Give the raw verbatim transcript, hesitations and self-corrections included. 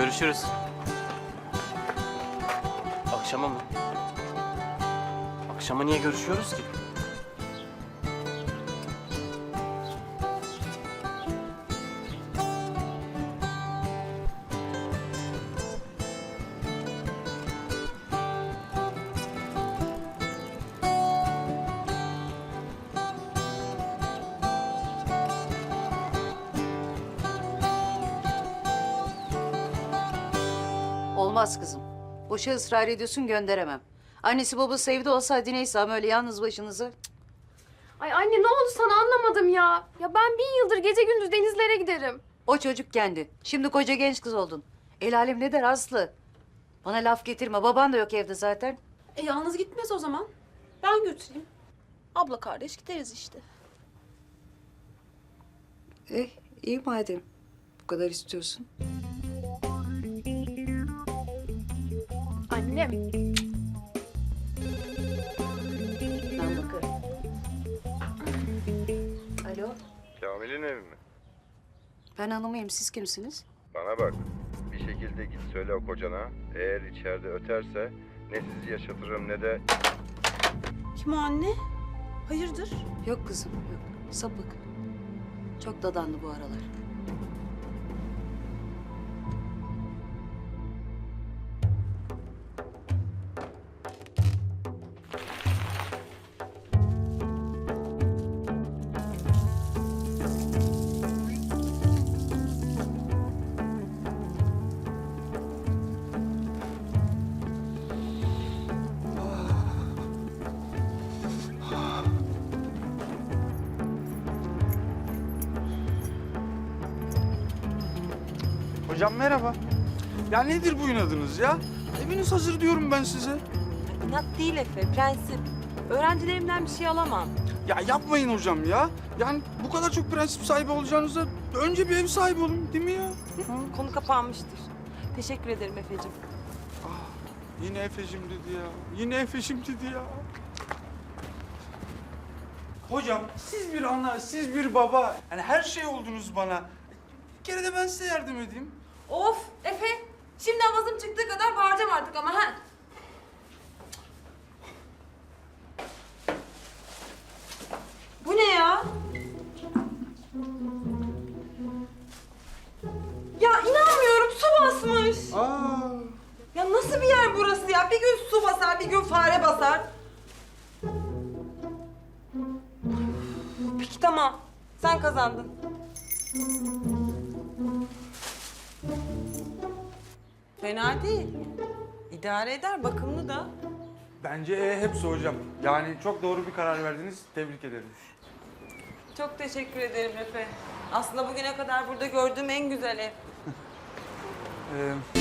Görüşürüz. Akşama mı? Akşama niye görüşüyoruz ki? Olmaz kızım. Boşa ısrar ediyorsun, gönderemem. Annesi babası evde olsa hadi neyse ama öyle yalnız başınıza. Ay anne ne oldu sana anlamadım ya. Ya ben bin yıldır gece gündüz denizlere giderim. O çocuk kendi. Şimdi koca genç kız oldun. El alem ne der Aslı? Bana laf getirme. Baban da yok evde zaten. E yalnız gitmez o zaman. Ben götüreyim. Abla kardeş gideriz işte. Eh iyi madem. Bu kadar istiyorsun. Annem. Ben bakarım. Alo. Kamil'in evi mi? Ben hanımıyım. Siz kimsiniz? Bana bak. Bir şekilde git söyle o kocana. Eğer içeride öterse ne sizi yaşatırım ne de... Kim o anne? Hayırdır? Yok kızım yok. Sapık. Çok dadandı bu aralar. Hocam merhaba. Ya nedir bu inadınız ya? Eviniz hazır diyorum ben size. İnat değil Efe, prensip. Öğrencilerimden bir şey alamam. Ya yapmayın hocam ya. Yani bu kadar çok prensip sahibi olacağınıza önce bir ev sahibi olun değil mi ya? Ha? Konu kapanmıştır. Teşekkür ederim Efe'cim. Yine Efe'cim dedi ya. Yine Efe'cim dedi ya. Hocam siz bir ana, siz bir baba. Yani her şey oldunuz bana. Bir kere de ben size yardım edeyim. Of Efe, şimdi avazım çıktığı kadar bağıracağım artık ama ha. Bu ne ya? Ya inanmıyorum, su basmış. Aa. Ya nasıl bir yer burası ya? Bir gün su basar, bir gün fare basar. Peki tamam, sen kazandın. Fena değil. İdare eder, bakımlı da. Bence E hepsi hocam. Yani çok doğru bir karar verdiniz. Tebrik ederim. Çok teşekkür ederim Efe. Aslında bugüne kadar burada gördüğüm en güzel ev. Ee,